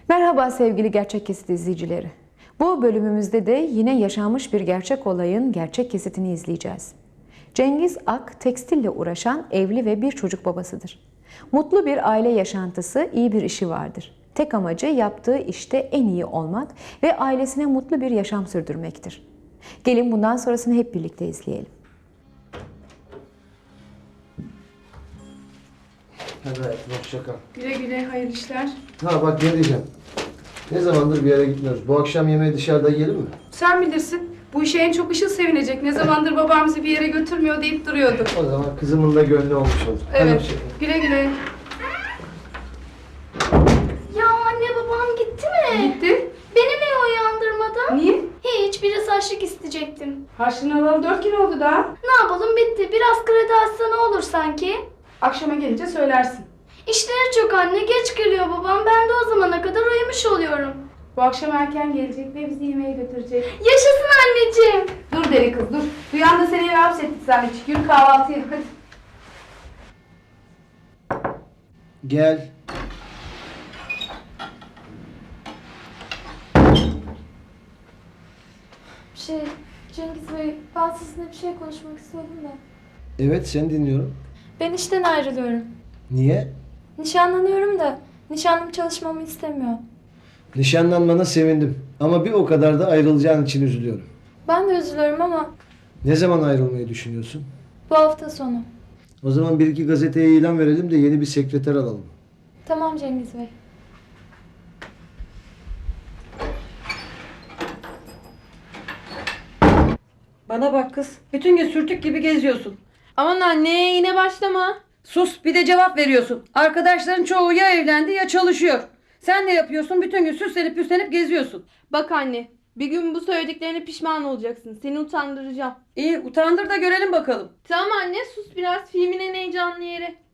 Merhaba sevgili Gerçek Kesit izleyicileri. Bu bölümümüzde de yine yaşanmış bir gerçek olayın gerçek kesitini izleyeceğiz. Cengiz Ak, tekstille uğraşan evli ve bir çocuk babasıdır. Mutlu bir aile yaşantısı, iyi bir işi vardır. Tek amacı yaptığı işte en iyi olmak ve ailesine mutlu bir yaşam sürdürmektir. Gelin bundan sonrasını hep birlikte izleyelim. Hadi hayatım, hoşça kal. Güle güle, hayırlı işler. Ha bak ne diyeceğim. Ne zamandır bir yere gitmiyoruz. Bu akşam yemeği dışarıda yiyelim mi? Sen bilirsin. Bu işe en çok Işıl sevinecek. Ne zamandır babam bizi bir yere götürmüyor deyip duruyordu. O zaman kızımın da gönlü olmuş olur. Hadi Evet. hoşça kal. Güle güle. Ya anne babam gitti mi? Gitti. Beni niye uyandırmadın? Niye? Hiç, biraz harçlık isteyecektim. Harçlığını alalı 4 gün oldu daha. Ne yapalım, bitti. Biraz kredi açsa ne olur sanki? Akşama gelince söylersin. İşleri çok anne, geç geliyor babam. Ben de o zamana kadar uyumuş oluyorum. Bu akşam erken gelecek ve bizi yemeğe götürecek. Yaşasın anneciğim. Dur deli kız dur. Duyan da seni eve hapsettik zannedecek. Yürü kahvaltıya hadi. Gel. Cengiz Bey, ben sizinle bir şey konuşmak istedim de. Evet, seni dinliyorum. Ben işten ayrılıyorum. Niye? Nişanlanıyorum da nişanlım çalışmamı istemiyor. Nişanlanmana sevindim. Ama bir o kadar da ayrılacağın için üzülüyorum. Ben de üzülüyorum ama Ne zaman ayrılmayı düşünüyorsun? bu hafta sonu. O zaman bir iki gazeteye ilan verelim de yeni bir sekreter alalım. Tamam Cengiz Bey. Bana bak kız. Bütün gün sürtük gibi geziyorsun. Aman anne yine başlama. Sus, bir de cevap veriyorsun. Arkadaşların çoğu ya evlendi ya çalışıyor. Sen ne yapıyorsun? Bütün gün süslenip püslenip geziyorsun. Bak anne, bir gün bu söylediklerine pişman olacaksın. Seni utandıracağım. İyi, utandır da görelim bakalım. Tamam anne, sus biraz, filmin en heyecanlı yeri.